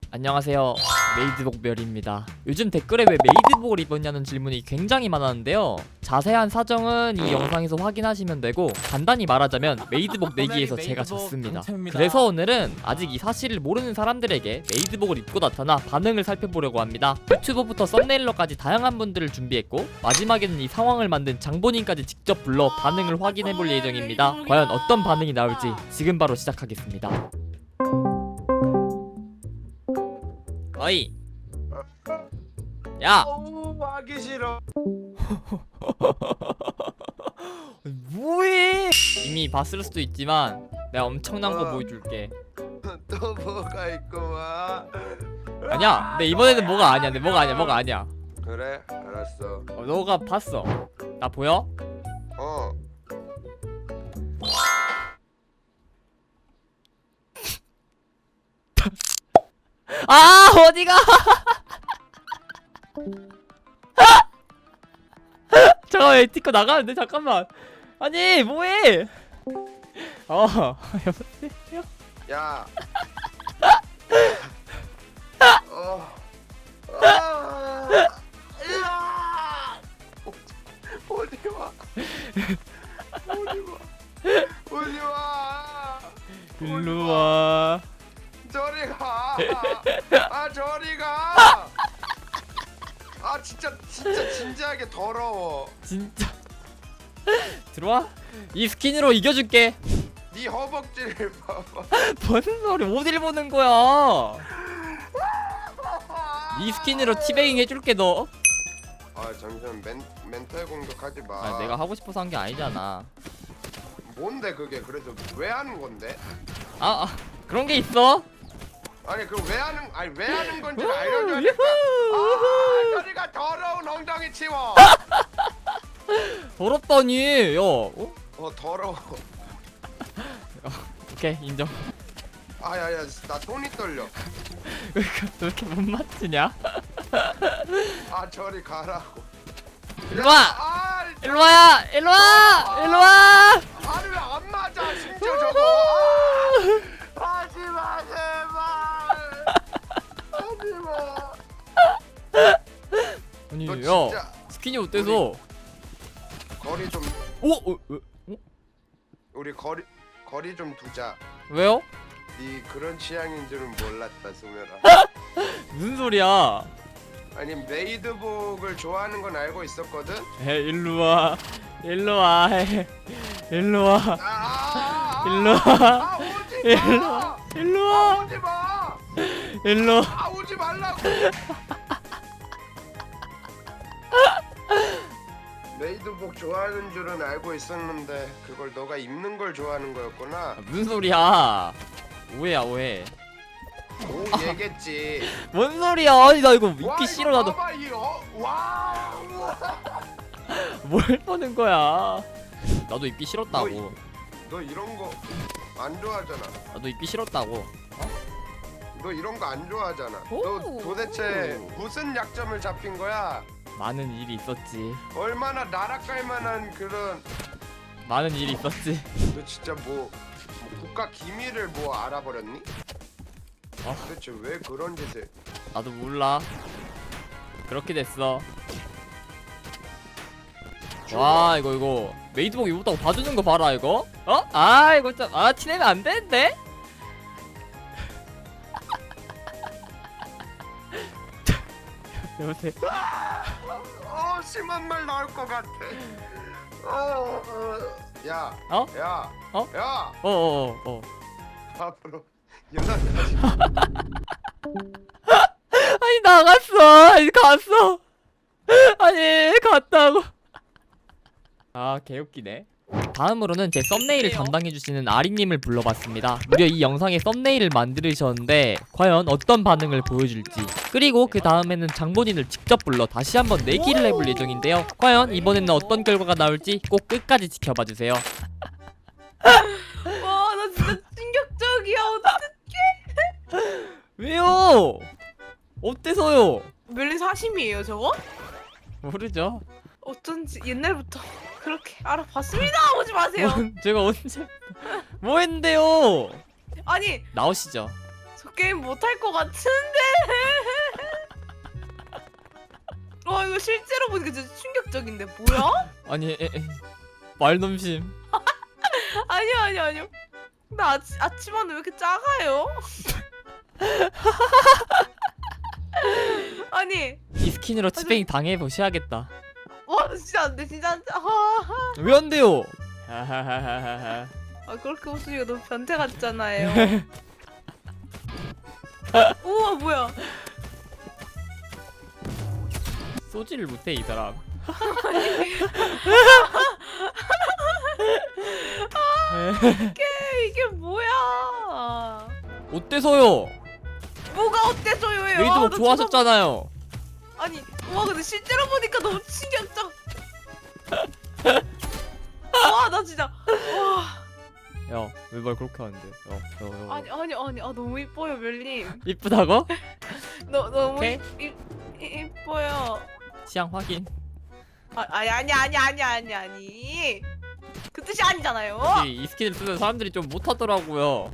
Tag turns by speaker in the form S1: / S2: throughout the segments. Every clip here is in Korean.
S1: 안녕하세요, 메이드복별입니다. 요즘 댓글에 왜 메이드복을 입었냐는 질문이 굉장히 많았는데요, 자세한 사정은 이 영상에서 확인하시면 되고, 간단히 말하자면 메이드복 내기에서 제가 졌습니다. 그래서 오늘은 아직 이 사실을 모르는 사람들에게 메이드복을 입고 나타나 반응을 살펴보려고 합니다. 유튜버부터 썸네일러까지 다양한 분들을 준비했고, 마지막에는 이 상황을 만든 장본인까지 직접 불러 반응을 확인해볼 예정입니다. 과연 어떤 반응이 나올지 지금 바로 시작하겠습니다. 어이, 야!
S2: 하기 싫어.
S1: 뭐해? 이미 봤을 수도 있지만 내가 엄청난 거 보여줄게.
S2: 또 뭐가 있구만.
S1: 아니야, 근데 이번에는 뭐가 아니야. 근데 뭐가 아니야.
S2: 그래, 알았어.
S1: 너가 봤어. 나 보여?
S2: 어.
S1: 아, 어디가? 잠깐만, 에티커 나가는데. 잠깐만. 아니, 뭐해? 여보세요?
S2: 야. 어. 야. 어디 와? 어디 와? 어디 와?
S1: 일로 와.
S2: 저리 가. 아, 저리 가. 아, 진짜 진지하게 더러워.
S1: 진짜. 들어와. 이 스킨으로 이겨줄게.
S2: 네 허벅지를 봐봐.
S1: 뭔 소리? 어딜 보는 거야? 이 스킨으로 티베잉 해줄게 너.
S2: 아, 잠시만. 멘탈 공격하지 마.
S1: 아, 내가 하고 싶어서 한 게 아니잖아.
S2: 뭔데 그게? 그래서 왜 하는 건데?
S1: 그런 게 있어?
S2: 아니, 그 왜 하는 건지 알려줘야니까. 아, 저리가 더러운 엉덩이 치워.
S1: 더럽다니. 야, 어?
S2: 더러워.
S1: 오케이, 인정.
S2: 아야야, 나 손이 떨려.
S1: 왜 이렇게 못 맞추냐?
S2: 아, 저리 가라고.
S1: 일로 와.
S2: 아,
S1: 일로 와야. 일로 와. 일로 와.
S2: 아니 왜 안 맞아? 심지어 저거. 아, 하지 마, 제발. 하지 마.
S1: 아니,
S2: 너
S1: 야,
S2: 진짜
S1: 스킨이 어때서?
S2: 거리 좀 우리 거리 좀 두자.
S1: 왜요?
S2: 네 그런 취향인 줄은 몰랐다, 수면아.
S1: 무슨 소리야?
S2: 아니, 메이드복을 좋아하는 건 알고 있었거든.
S1: 일로 와. 일로 와. 일로 와. 일로 와.
S2: 아, 오지
S1: 일로
S2: 마.
S1: 와. 일로
S2: 아,
S1: 와.
S2: 오지 마.
S1: 일로 와.
S2: 아, 오지 말라고. 메이드복 좋아하는 줄은 알고 있었는데 그걸 너가 입는 걸 좋아하는 거였구나.
S1: 무슨 소리야? 오해야, 오해.
S2: 오, 얘겠지.
S1: 뭔 소리야? 아니, 나 이거 입기 싫어. 나도.
S2: 봐봐, 와.
S1: 뭘 보는 거야? 나도 입기 싫었다고.
S2: 너 이런 거 안 좋아하잖아.
S1: 나도 입기 싫었다고.
S2: 너 이런 거 안 좋아하잖아.
S1: 오.
S2: 너 도대체 무슨 약점을 잡힌 거야?
S1: 많은 일이 있었지.
S2: 얼마나 나락갈 만한 그런.
S1: 많은 일이 있었지.
S2: 너 진짜 뭐 국가 기밀을 뭐 알아버렸니? 도대체 왜 그런 짓을?
S1: 나도 몰라. 그렇게 됐어. 와, 이거 메이드복 입었다고 봐주는 거 봐라, 이거. 이거 참, 티내면 안 되는데? 여보세요?
S2: 심한 말 나올 것 같아. 야,
S1: 어?
S2: 야,
S1: 어?
S2: 야, 앞으로 연락하지.
S1: 아니, 나갔어. 아니, 갔어. 아니, 갔다고. 개웃기네. 다음으로는 제 썸네일을 담당해주시는 아리님을 불러봤습니다. 무려 이 영상의 썸네일을 만드셨는데 과연 어떤 반응을 보여줄지, 그리고 그 다음에는 장본인을 직접 불러 다시 한번 내기를 해볼 예정인데요, 과연 이번에는 어떤 결과가 나올지 꼭 끝까지 지켜봐주세요.
S3: 와, 나 진짜 충격적이야.
S1: 왜요? 어때서요?
S3: 멜리 사심이에요, 저거?
S1: 모르죠.
S3: 어쩐지 옛날부터 그렇게 알아봤습니다. 오지 마세요.
S1: 제가 언제 뭐 했는데요?
S3: 아니,
S1: 나오시죠.
S3: 저 게임 못할 것 같은데. 와 이거 실제로 보니까 진짜 충격적인데 뭐야?
S1: 아니 말넘심.
S3: 아니요. 나 아침마다 왜 이렇게 작아요? 아니
S1: 이 스킨으로 치팽이 당해보셔야겠다.
S3: 와 진짜 안돼 진짜 안돼.
S1: 왜 안 돼요? 하하하하하.
S3: 아 그렇게 웃으니까 너무 변태 같잖아요. 우와 뭐야?
S1: 쏘지를 못해 이 사람.
S3: 이게 뭐야?
S1: 어때서요?
S3: 뭐가 어때서요?
S1: 메이드복 좋아하셨잖아요.
S3: 아니 와 근데 실제로 보니까 너무 충격적. 와 나 진짜 와
S1: 야, 왜 말 그렇게 하는데?
S3: 아니 아 너무 이뻐요 멜님.
S1: 이쁘다고?
S3: 너무
S1: 오케이.
S3: 이뻐요.
S1: 취향 확인.
S3: 아니 그 뜻이 아니잖아요.
S1: 혹시 이 스킨을 쓰는 사람들이 좀 못하더라고요.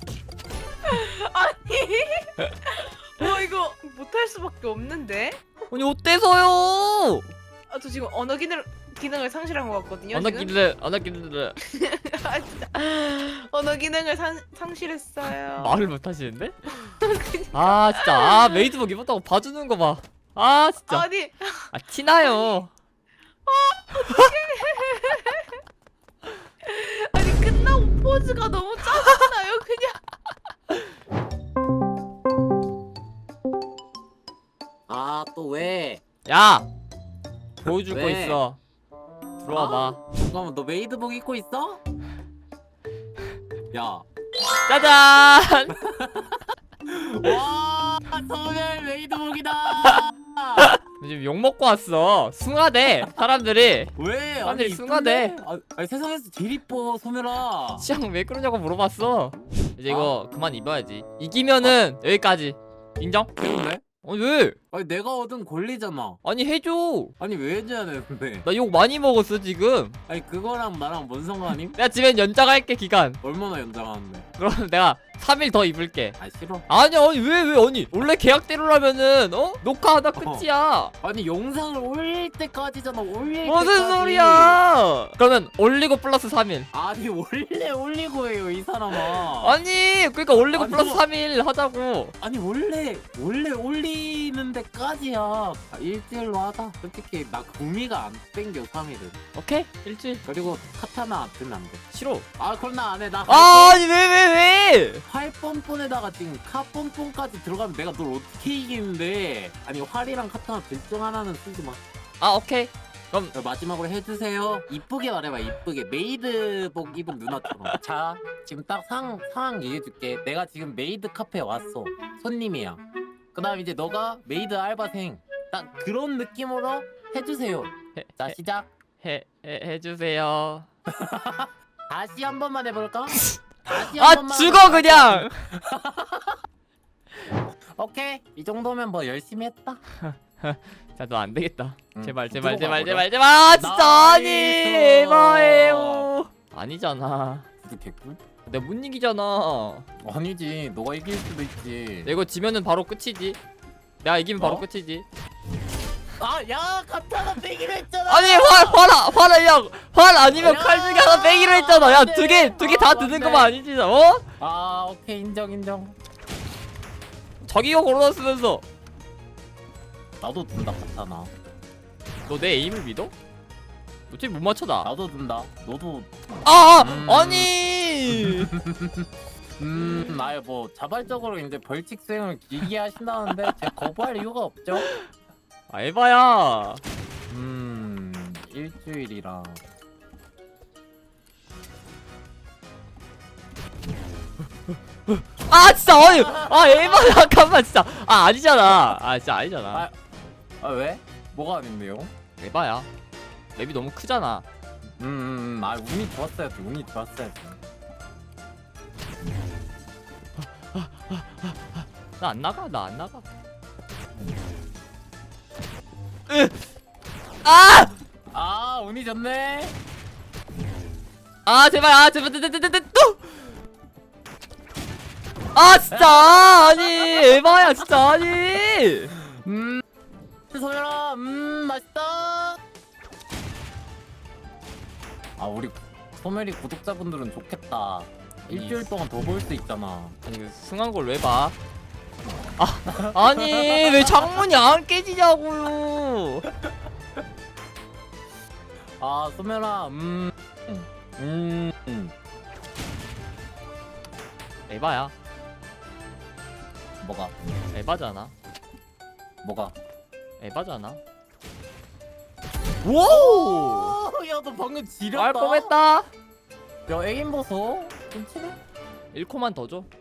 S3: 아니 와 이거 못할 수밖에 없는데.
S1: 아니 어때서요?
S3: 아 저 지금 언어 기능을 상실한 것 같거든요.
S1: 언어
S3: 지금?
S1: 기능, 언어 기능.
S3: 아 진짜 언어 기능을 상실했어요.
S1: 말을 못 하시는데? 아 진짜 아 메이드복 입었다고 봐주는 거 봐. 아 진짜
S3: 아니
S1: 아 티나요.
S3: 아니 끝나고 포즈가 너무 짜증나요 그냥.
S2: 아 또 왜?
S1: 야 보여줄 거
S2: 왜?
S1: 있어. 들어와 봐.
S2: 잠깐만 너 메이드복 입고 있어? 야.
S1: 짜잔.
S2: 와 소멸 메이드복이다.
S1: 지금 욕 먹고 왔어. 숭하대 사람들이.
S2: 왜?
S1: 사람들이 숭하대.
S2: 아니 세상에서 제일 이뻐 소멸아.
S1: 취향 왜 그러냐고 물어봤어. 이제 이거 그만 입어야지. 이기면은 여기까지. 인정?
S2: 그런데?
S1: 아니 왜?
S2: 아니 내가 얻은 권리잖아.
S1: 아니 해줘.
S2: 아니 왜 해줘야 되는데?
S1: 나 욕 많이 먹었어 지금.
S2: 아니 그거랑 나랑 뭔 상관임?
S1: 내가 집엔 연장할게 기간.
S2: 얼마나 연장하는데?
S1: 그럼 내가 3일 더 입을게.
S2: 아 싫어.
S1: 아니 왜 아니 원래 계약대로라면은 녹화하다 끝이야.
S2: 아니 영상을 올릴 때까지잖아. 올릴
S1: 무슨
S2: 때까지.
S1: 소리야? 그러면 올리고 플러스 3일.
S2: 아니 원래 올리고 해요 이 사람아.
S1: 아니 그러니까 올리고
S2: 아니,
S1: 플러스
S2: 그거-
S1: 3일 하자고.
S2: 아니 원래 올리는 데까지야. 아, 일주일로 하자. 솔직히 나 구미가 안 땡겨 3일은.
S1: 오케이 일주일.
S2: 그리고 카타나 들면 안 돼.
S1: 싫어.
S2: 아 그럼 나 안 해. 나
S1: 아니 왜?
S2: 활 뻔뻔에다가 지금 카 뻔뻔까지 들어가면 내가 널 어떻게 이기는데. 아니 활이랑 카타나 둘 중 하나는 쓰지 마.
S1: 아 오케이. 그럼
S2: 자, 마지막으로 해주세요. 이쁘게 말해봐. 이쁘게 메이드복 입은 누나처럼. 자 지금 딱 상황 얘기해줄게. 내가 지금 메이드 카페에 왔어. 손님이야. 그 다음 이제 너가 메이드 알바생. 딱 그런 느낌으로 해주세요. 자 시작.
S1: 해주세요.
S2: 다시 한 번만 해볼까? 다시 한
S1: 아
S2: 번만
S1: 죽어
S2: 해볼까?
S1: 그냥.
S2: 오케이 이 정도면 뭐 열심히 했다.
S1: 자 너 안 되겠다.
S2: 응,
S1: 제발.
S2: 들어가
S1: 아 진짜 아니
S2: 나이스.
S1: 에바예요. 아니잖아.
S2: 구두 개꿀?
S1: 내가 못 이기잖아.
S2: 아니지 너가 이길 수도 있지.
S1: 이거 지면은 바로 끝이지. 내가 이기면 바로
S2: 어?
S1: 끝이지.
S2: 아야 카타나 빼기로 했잖아.
S1: 아니 활 아니면
S2: 야,
S1: 칼 중에 하나 빼기로 했잖아. 야
S2: 안 돼.
S1: 두 개 다
S2: 아,
S1: 드는
S2: 안
S1: 거만
S2: 돼.
S1: 아니지 어?
S2: 아 오케이 인정.
S1: 자기가 걸어놨으면서
S2: 나도 든다 카타나.
S1: 너 내 에임을 믿어? 어차피 못 맞춰 나.
S2: 나도 든다. 너도.
S1: 아니.
S2: 아예 뭐 자발적으로 이제 벌칙 수행을 길게 하신다는데 제가 거부할 이유가 없죠.
S1: 아 에바야.
S2: 일주일이랑.
S1: 아 진짜 아니 에바 잠깐만 진짜 아니잖아. 아 진짜 아니잖아.
S2: 아 왜? 뭐가 아닌데요?
S1: 에바야. 맵이 너무 크잖아.
S2: 아 운이 좋았어야지.
S1: 나 안 나가.
S2: 아 운이 좋네.
S1: 제발 또. 아 진짜 아니 에바야 진짜 아니.
S2: 소멸아 맛있다. 아 우리 소멸이 구독자분들은 좋겠다. 일주일 동안 더 볼 수 있잖아.
S1: 아니 그 승한 걸 왜 봐? 아 아니 왜 창문이 안 깨지냐고요.
S2: 아 소멸아
S1: 에바야.
S2: 뭐가
S1: 에바잖아.
S2: 뭐가
S1: 에바잖아. 오!
S2: 야너 방금 지렸다.
S1: 알 뻔했다.
S2: 야 에임 보소 좀 치네.
S1: 1코만 더 줘.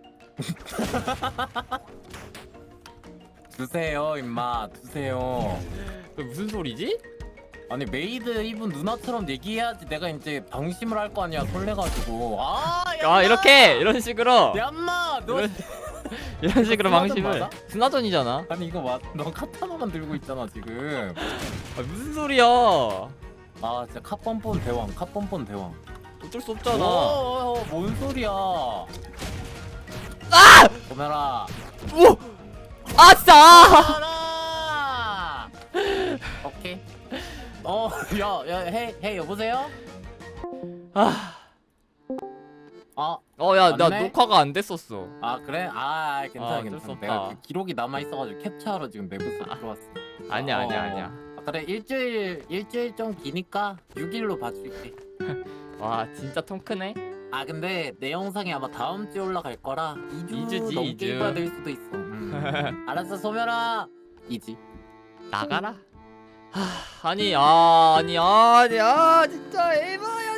S2: 주세요 임마 주세요.
S1: 그 무슨 소리지?
S2: 아니 메이드 이분 누나처럼 얘기해야지 내가 이제 방심을 할 거 아니야 설레가지고. 아
S1: 아 이렇게 이런 식으로
S2: 얌마 너
S1: 이런 식으로
S2: 스나전
S1: 방심을.
S2: 맞아?
S1: 스나전이잖아.
S2: 아니 이거 맞? 너 카타나만 들고 있잖아 지금.
S1: 아, 무슨 소리야?
S2: 아 진짜 카뻔뻔 대왕 카뻔뻔 대왕.
S1: 어쩔 수 없잖아.
S2: 뭔 소리야.
S1: 아!
S2: 보면아.
S1: 오! 아싸!
S2: 보면아. 오케이. 헤이 여보세요?
S1: 아,
S2: 아
S1: 야, 나
S2: 맞네?
S1: 녹화가 안 됐었어.
S2: 그래? 아 괜찮아
S1: 어쩔 수
S2: 괜찮아.
S1: 없다.
S2: 내가 그 기록이 남아 있어가지고 캡처하러 지금 내부서 들어왔어.
S1: 아니야, 아니야.
S2: 그래 일주일 좀 기니까 6일로 봐줄게.
S1: 와, 진짜 통 크네.
S2: 아 근데 내 영상이 아마 다음 주에 올라갈 거라 2주
S1: 이주지,
S2: 넘게
S1: 이주.
S2: 입어야 될 수도 있어. 알았어 소멸아. 이지.
S1: 나가라. 아니, 진짜 에바야.